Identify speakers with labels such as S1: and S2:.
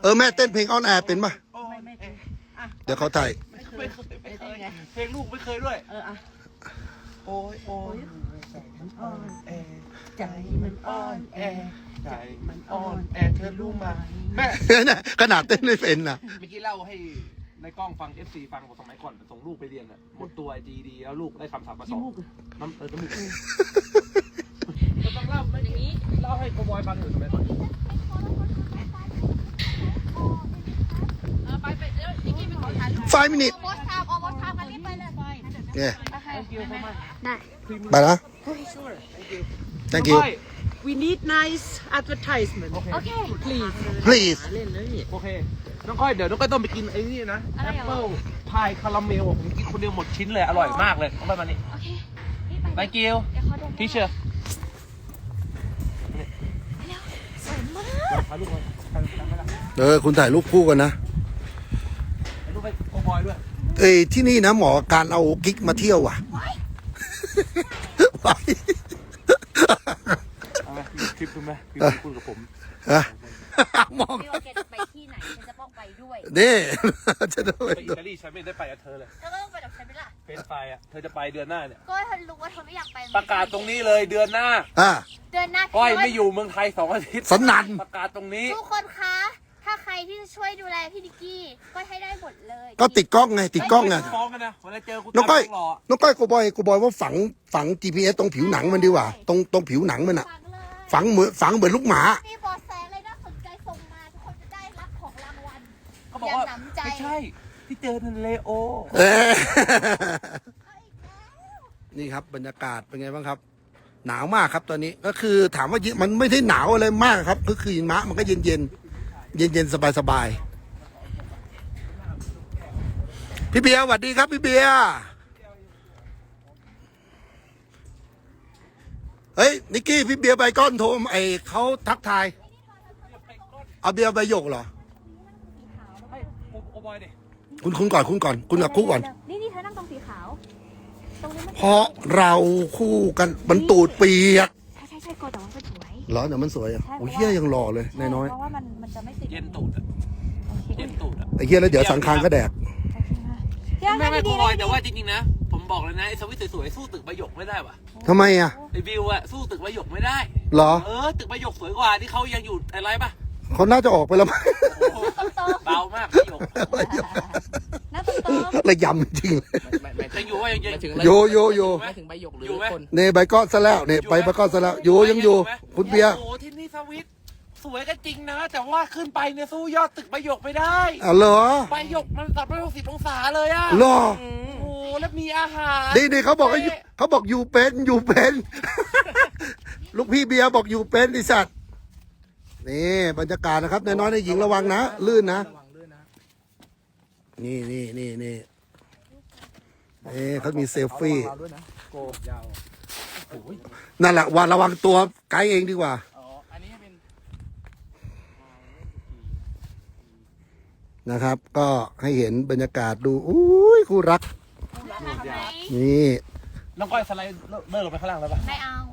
S1: แม่เต้นเพลงออนแอร์เป็นป่ะ
S2: ไม่อ่ะ
S1: เดี๋ยวเขาถ่าย
S3: ไม่เคยเพลงลูกไม่เคยด้วย
S2: อ่ะ
S3: โอ้ยโอ้ย
S2: มันอ่อน
S3: แอ
S2: ใจมันอ่อนแอ
S3: ใจมันอ่อนแอเธอรู้ไหมแม่
S1: ขนาดเต้นไม่เป็นนะ
S3: เมื่อกี้เล่าให้ในกล้องฟัง FC ฟังบอกสมัยก่อนส่งลูกไปเรียนอ่ะหมดตัว GD แล้วลูกได้คำศัพท์มาส
S2: ขี้
S3: อง
S2: มูก
S3: น้ำน้ำมูกต้องเล่าไม่อย่างนี้เล่าให้โกบอยฟังอยู่สมัยก่อน
S4: ไปเดี๋ยวนิกกี้ไปขอถ่ายรูป
S1: 5 minutes
S4: โพสต์ทามโพสต์ทามกันรีบไปเลย
S1: เนี่ย
S3: Thank you so much
S4: ได้
S1: ไปนะ thank you
S2: we need nice advertisement
S4: โอเค
S2: please
S1: please
S2: เล่นเลย
S3: โอเค น้องก้อยเดี๋ยวน้องก้อยต้องไปกินไอ้นี่นะ
S4: อะไรเหรอ
S3: แอปเปิลพายคาราเมลผมกินคนเดียวหมดชิ้นเลยอร่อยมากเลยน้องก้อยมานี่
S4: โอเครีบไป
S3: Thank you
S4: เดี๋ยวเขาเดิน
S3: teacher
S4: สวยมาก
S3: ถ่ายรูปไว้ถ่ายรูปไว้
S1: คุณถ่ายรูปคู่กันนะ
S3: ถ่ายรูปไปโกบอยด้วย
S1: ที่นี่นะหมอการเอากิ๊กมาเที่ยวว่ะ ไป
S3: เอาไหมมีคลิปดูไหมพี่คุยกับผม
S1: ฮะมอง
S4: ไม่ว่าแกจะไปที่ไหนฉันจะต้องไปด้วย
S1: นี่จะได้
S3: ไปอิตาลีฉันไม่ได้ไปกับเธอเลย
S4: แล้วก็ต้องไปกับฉันไปล่ะ
S3: เฟนไฟอ่ะเธอจะไปเดือนหน้าเนี่ย
S4: ก็เธอรู้ว่าเธอไม่อยากไป
S3: ประกาศตรงนี้เลยเดือนหน้า
S4: เดือนหน้า
S3: ก้อยไม่อยู่เมืองไทย2 อาทิตย์
S1: สนั่น
S3: ประกาศตรงนี้
S4: ทุกคนคะ ถ้าใครที่จะช่วยดูแลพี่นิกกี้ก็ให้ได้หมดเลย
S1: ก็ติดกล้องไง ติดกล้องไง
S3: ฟ้องกันนะเวลาเจอกู
S1: น้องก้อย
S3: หล่อ
S1: น้องก้อยกูบอยว่าฝัง GPS ตรงผิวหนังมันดีกว่า ตรงผิวหนังมันอะ
S4: ฟังเลย
S1: ฝังเหมือนลูกหมา
S4: มีเบอแสอะไรน่าสนใจส่งมาทุกคนจะได้รับของรางวัล
S3: เขาบอกว่า
S4: อย่าหนำใจ
S3: ไม่ใช่ที่เจอนันเลโอ
S1: นี่ครับบรรยากาศเป็นไงบ้างครับ หนาวมากครับตอนนี้ก็คือถามว่ามันไม่ได้หนาวอะไรมากครับก็คือหิมะมันก็เย็นสบายพี่เบียร์สวัสดีครับพี่เบียร์เฮ้ยนิกกี้พี่เบียร์ใบก้อนโทรเขาทักทายเอาเบียร์ใบหยกเหรอ
S3: ให้โอบอยดิ
S1: คุณก่อนคุณกับคู่ก่อน
S4: นี่เธอนั่งตรงสีขาว ตรงนี้มัน
S1: เพราะเราคู่กันมันตูดเปียก
S4: ใช่โกแต่ว่ามันสวย
S1: เหรอเดี๋ยวมันสวยอ่ะโอ้ยเฮียยังหล่อเลยนายน้อย
S4: เพราะว่ามันจะไม่ติด
S3: เย็นตูดอะเย็นตูดอะ
S1: ไอ้เฮียแล้วเดี๋ยวสังคารก็แดก
S3: ไม่โอบอยแต่ว่าจริงๆนะผมบอกเลยนะไอ้สวิตสวยๆสู้ตึกใบหยกไม่ได้ว่ะ
S1: ทำไมอ่ะ
S3: ไอ้วิวอะสู้ตึกใบหยกไม่ได้
S1: เหรอ
S3: ตึกใบหยกสวยกว่าที่เขายังอยู่อะไรปะ
S1: เขาน่าจะออกไปแล้วมั้ง
S3: เบามากใบหยก
S4: หน้าตรง
S1: ระยำจริงเลย
S3: ยังอยู่ว่ายัง
S1: โย
S5: ไม่ถึงใบหยกหรือ
S3: อยู่ไหม
S5: คน
S1: เนี่ยใบก้อนซะแล้วเนี่ยไปใบก้อนซะแล้วอยู่ยังอยู่ คุณเบียร์
S3: โอ้ที่นี่สวิตสวยก็จริงนะ แต่ว่าขึ้นไปเนี่ยสู้ยอดตึกใบหยกไม่ได้
S1: อ๋อเหรอ
S3: ใบหยกมัน360 องศาเลยอะ
S1: เหรอ
S3: โอ้โหแล้วมีอาหาร
S1: นี่เขาบอกว่าอยู่เป็นลูกพี่เบียร์บอกอยู่เป็นไอสัตว์นี่บรรยากาศนะครับนายน้อยนายหญิงระวังนะลื่นนะ
S5: ระวังด้วยนะ
S1: นี่เขามีเซลฟี่
S5: ระวังเราด้วยนะโกยาว
S1: นั่นแหละว่าระวังตัวไกด์เองดีกว่า
S5: อ๋ออันนี้เป็น
S1: นะครับ ก็ให้เห็นบรรยากาศดูอุ้ยคู่รัก
S4: ๆทำไม
S1: นี่
S3: น้องก้อยสไลด์เลิกลงไปข้างล่างแล้วปะ
S4: ไม่เอา